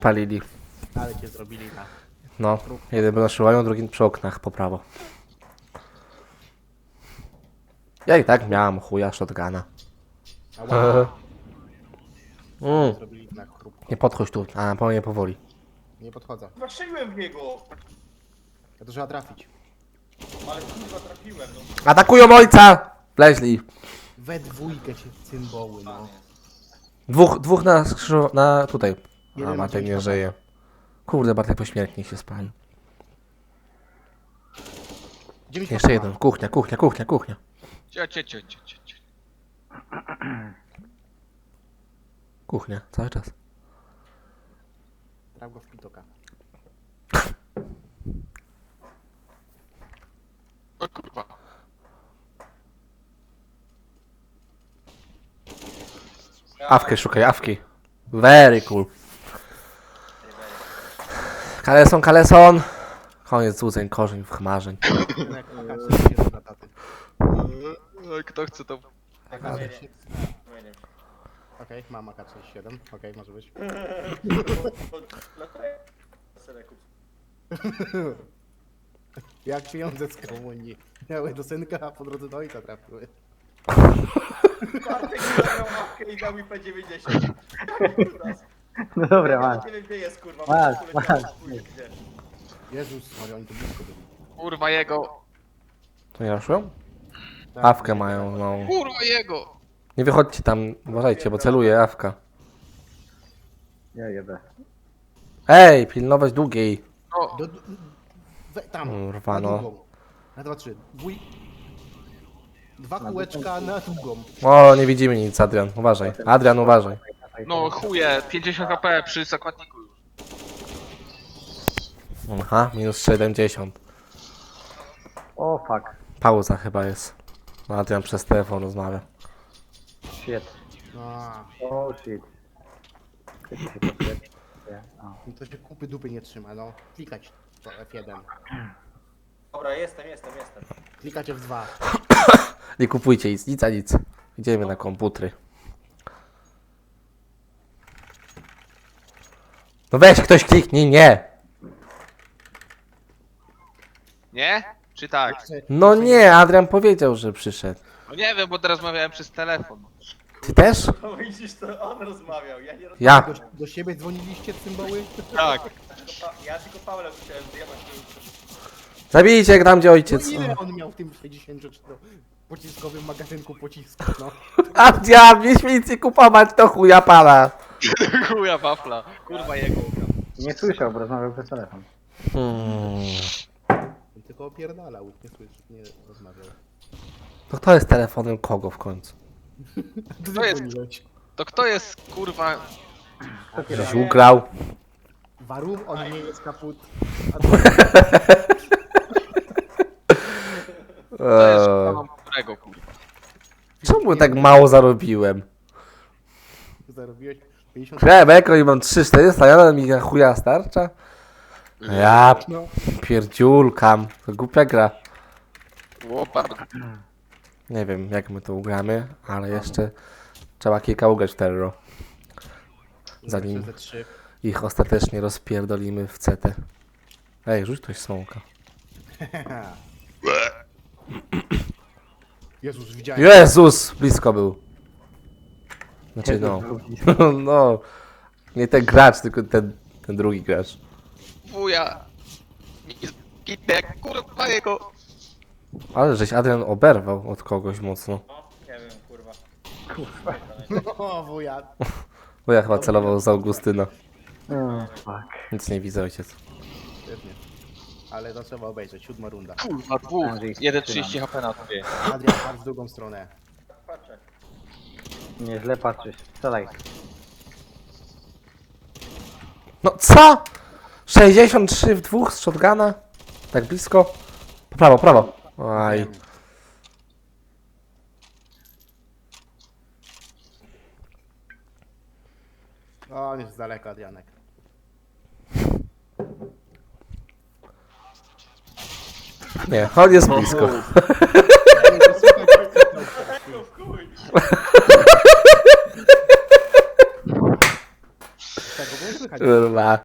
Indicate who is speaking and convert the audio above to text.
Speaker 1: palili.
Speaker 2: Ale cię zrobili na...
Speaker 1: No, jeden był na szyłaniu, drugi przy oknach po prawo. Ja i tak miałam chuja shotguna.
Speaker 2: Ała,
Speaker 1: Mm,
Speaker 2: zrobili na chrupko.
Speaker 1: nie podchodź tu, a po mnie powoli.
Speaker 2: Nie podchodzę.
Speaker 3: Strzeliłem w niego!
Speaker 2: Ja to trzeba trafić.
Speaker 3: Ale kurwa trafiłem, no.
Speaker 1: Atakują ojca! Wleźli.
Speaker 2: We dwójkę się cymboły, no.
Speaker 1: Dwóch na na tutaj. A
Speaker 2: Jeden ma
Speaker 1: Bartek nie
Speaker 2: 9
Speaker 1: żyje. Kurde, Bartek pośmiertnie się spalił.
Speaker 2: 9
Speaker 1: Jeszcze jeden. Kuchnia.
Speaker 3: Cio.
Speaker 1: Kuchnia, cały czas.
Speaker 2: Traf go w pitoka.
Speaker 3: O kurwa.
Speaker 1: Awkę szukaj, awki. Very cool. Kaleson. Koniec złudzeń, korzeń, chmarzeń.
Speaker 2: Jak AK-47 na taty.
Speaker 3: Kto chce to?
Speaker 2: Okej, mam AK-47. Okej, może być. Jak pieniądze z komunii. Miały do synka, a po drodze do ojca trafiły.
Speaker 3: Bartek zabrał mapkę i dał mi P90.
Speaker 4: No dobra,
Speaker 3: Ja
Speaker 4: masz.
Speaker 3: nie wiem gdzie jest kurwa.
Speaker 4: Masz,
Speaker 3: bo
Speaker 4: masz.
Speaker 3: gdzie.
Speaker 2: Jezus, Maria, oni tu blisko byli.
Speaker 3: Kurwa jego.
Speaker 1: To nie ruszyłem?
Speaker 2: Tak,
Speaker 1: Awkę mają, no.
Speaker 3: Kurwa jego.
Speaker 1: Nie wychodźcie tam, uważajcie, bo celuje awka.
Speaker 4: Ja jebę.
Speaker 1: Ej, pilnować długiej.
Speaker 3: No.
Speaker 2: Tam,
Speaker 1: Kurwa,
Speaker 2: na
Speaker 1: no.
Speaker 2: długą. Na 2, 3. Dwa kółeczka na długą.
Speaker 1: O, nie widzimy nic, Adrian, uważaj. Adrian, uważaj.
Speaker 3: No chuje, 50 HP przy zakładniku już.
Speaker 1: Aha, minus 70.
Speaker 4: O fuck.
Speaker 1: Pauza chyba jest. No, Adrian przez telefon rozmawia.
Speaker 4: Shit.
Speaker 2: A,
Speaker 4: Oh shit. Kiedy się podpię- O.
Speaker 2: no to się kupy dupy nie trzyma, no. Klikać to F1.
Speaker 3: Dobra, jestem.
Speaker 2: Klikać F2.
Speaker 1: Nie kupujcie nic, a nic. Idziemy na komputery. No weź ktoś kliknij, nie!
Speaker 3: Nie? Czy tak?
Speaker 1: No nie, Adrian powiedział, że przyszedł.
Speaker 3: No nie wiem, bo teraz rozmawiałem przez telefon.
Speaker 1: Ty też?
Speaker 3: No widzisz, to on rozmawiał, ja nie rozmawiałem.
Speaker 1: Ja.
Speaker 2: Do siebie dzwoniliście cymboły?
Speaker 3: Tak. Ja tylko Paula musiałem zjebać.
Speaker 1: Zabijcie tam, gdzie
Speaker 2: No
Speaker 1: ojciec.
Speaker 2: ile on miał w tym 64-pociskowym magazynku pocisków, no?
Speaker 1: Adrian, mieliśmy nic nie kupować, to chuja pana.
Speaker 3: Chuja wafla. Kurwa jego.
Speaker 4: Nie słyszał, bo rozmawiał przez telefon.
Speaker 2: On tylko opierdalał, nie słyszy, nie rozmawiał.
Speaker 1: To kto jest telefonem kogo w końcu?
Speaker 3: To jest- To kto jest kurwa...
Speaker 1: Żeś ugrał.
Speaker 2: Warum? On nie jest kaput.
Speaker 3: To jest
Speaker 1: Eee,
Speaker 3: mam którego kurwa.
Speaker 1: czemu tak mało zarobiłem?
Speaker 2: Zarobiłeś 50...
Speaker 1: Beko i mam 3,400, ja mi na chuja starcza? Ja
Speaker 2: No.
Speaker 1: pierdziulkam, to głupia gra.
Speaker 3: Łopa.
Speaker 1: Nie wiem jak my to ugramy, ale jeszcze trzeba kilka ugrać w terror. Zanim
Speaker 2: Ze 3.
Speaker 1: ich ostatecznie rozpierdolimy w CT. Ej, rzuć ktoś smoka.
Speaker 2: Jezus, widziałem.
Speaker 1: Jezus! Blisko był. Znaczy no. No. Nie ten gracz, tylko ten drugi gracz.
Speaker 3: Wuja. Kitek, kurwa jego.
Speaker 1: Ale żeś Adrian oberwał od kogoś mocno.
Speaker 3: Nie wiem, kurwa.
Speaker 2: O, wuja.
Speaker 1: Bo ja chyba celował z Augustyna.
Speaker 4: O fuck.
Speaker 1: Nic nie widzę, ojciec.
Speaker 2: Świetnie. Ale to trzeba obejrzeć, 7 runda.
Speaker 3: Kurwa, dwóch. 1,30 HP na tobie.
Speaker 2: Adrian, patrz w drugą stronę.
Speaker 4: Nie źle patrzysz. Strzelaj.
Speaker 1: No co? 63 w dwóch z shotguna? Tak blisko? Prawo, prawo. Aj.
Speaker 2: O, on jest z daleka, Adrianek.
Speaker 1: Nie, on jest blisko.
Speaker 2: Tego było słychać
Speaker 1: Kurwa.